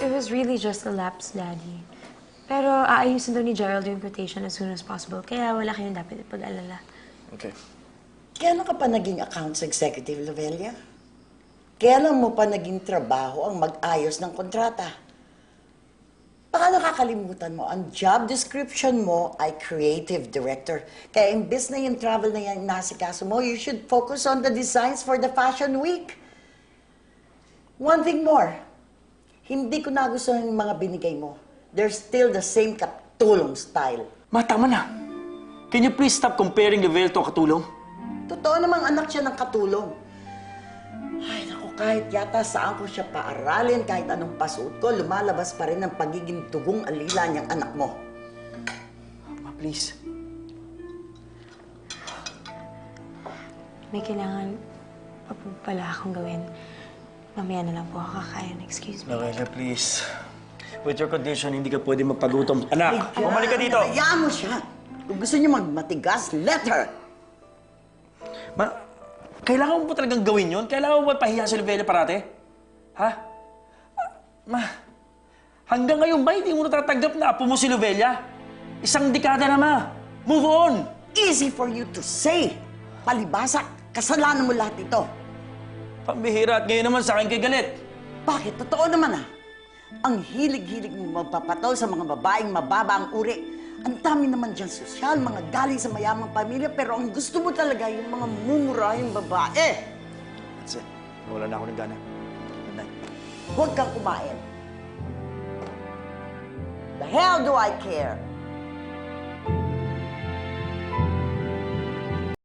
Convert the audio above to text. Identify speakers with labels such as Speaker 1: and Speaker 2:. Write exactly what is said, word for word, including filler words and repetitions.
Speaker 1: it was really just a lapse, Daddy. Pero aayusin daw ni Gerald yung quotation as soon as possible, kaya wala kayong dapat ipag-alala.
Speaker 2: Okay.
Speaker 3: Kailan ka pa naging accounts executive, Lovelia? Kailan mo pa naging trabaho ang mag-ayos ng kontrata? Baka nakakalimutan mo, ang job description mo ay creative director. Kaya imbes na yung travel na yan nasikaso mo, you should focus on the designs for the fashion week. One thing more, hindi ko nagustuhan yung mga binigay mo. They're still the same katulong style.
Speaker 2: Ma, tama na. Can you please stop comparing Lavelle to Katulong?
Speaker 3: Totoo namang anak siya ng katulong. Ay, naku, kahit yata saan ko siya paaralin, kahit anong pasuot ko, lumalabas pa rin ang pagiging tugong alila niyang anak mo.
Speaker 2: Ma, please.
Speaker 1: May kailangan pa po pala akong gawin. Mamaya na lang po ako kakain. Excuse me.
Speaker 2: Lavelle, please. With your condition, hindi ka pwede magpagutom. Anak,
Speaker 3: Ay,
Speaker 2: bumalik ka dito.
Speaker 3: Hayaan mo siya. Kung gusto niyo magmatigas, let her.
Speaker 2: Ma, kailangan mo ba talagang gawin yun? Kailangan mo ba pahiya si Lavelle parate? Ha? Ma, hanggang ngayon ba hindi mo natatanggap na apo mo si Lavelle? Isang dekada na, Ma. Move on!
Speaker 3: Easy for you to say. Palibasa, kasalanan mo lahat ito.
Speaker 2: Pambihira at ngayon naman sa akin kay galit.
Speaker 3: Bakit? Totoo naman ah. Ang hilig-hilig mo magpapatol sa mga babaeng mababa ang uri. Ang dami naman dyan sosyal, mga galing sa mayamang pamilya, pero ang gusto mo talaga yung mga mumurahing babae.
Speaker 2: That's it. Wala na ako ng gana. Good night.
Speaker 3: Huwag kang kumain. The hell do I care?